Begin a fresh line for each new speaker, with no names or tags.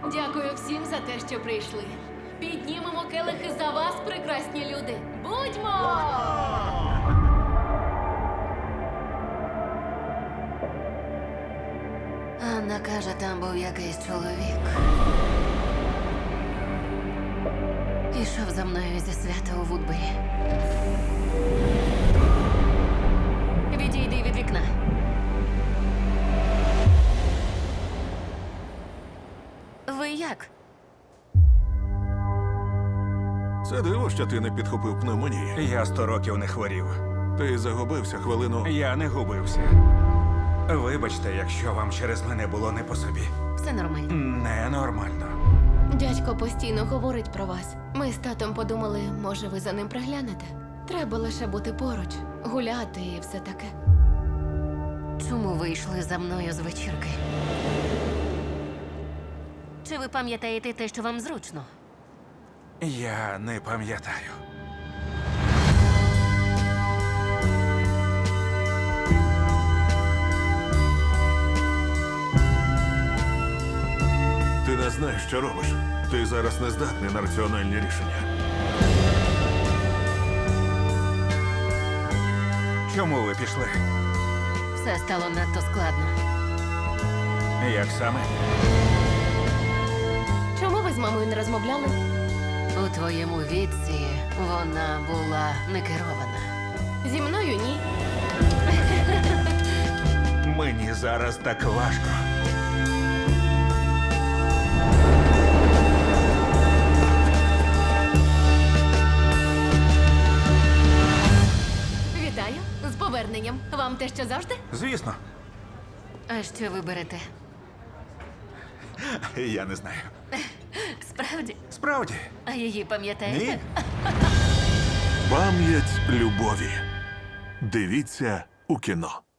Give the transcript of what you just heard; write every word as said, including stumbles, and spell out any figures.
Дякую всім за те, що прийшли. Піднімемо келихи за вас, прекрасні люди. Будьмо!
Анна каже, там був якийсь чоловік. Ішов за мною зі свята у Вудбері. Відійди від вікна. Ви як?
Це диво, що ти не підхопив пневмонії.
Я сто років не хворів.
Ти загубився хвилину.
Я не губився. Вибачте, якщо вам через мене було не по собі.
Все нормально.
Ненормально.
Дядько постійно говорить про вас. Ми з татом подумали, може, ви за ним приглянете. Треба лише бути поруч, гуляти і все таке.
Чому ви йшли за мною з вечірки? Чи ви пам'ятаєте те, що вам зручно?
Я не пам'ятаю.
Ти не знаєш, що робиш. Ти зараз не здатний на раціональні рішення.
Чому ви пішли?
Все стало надто складно.
Як саме?
Чому ви з мамою не розмовляли?
У твоєму віці вона була не керована.
Зі мною ні.
Мені зараз так важко.
Вітаю з поверненням. Вам те, що завжди?
Звісно,
А що ви берете?
я не знаю.
Справді?
Справді?
А її пам'ятаєте?
Ні?
Пам'ять любові. Дивіться у кіно.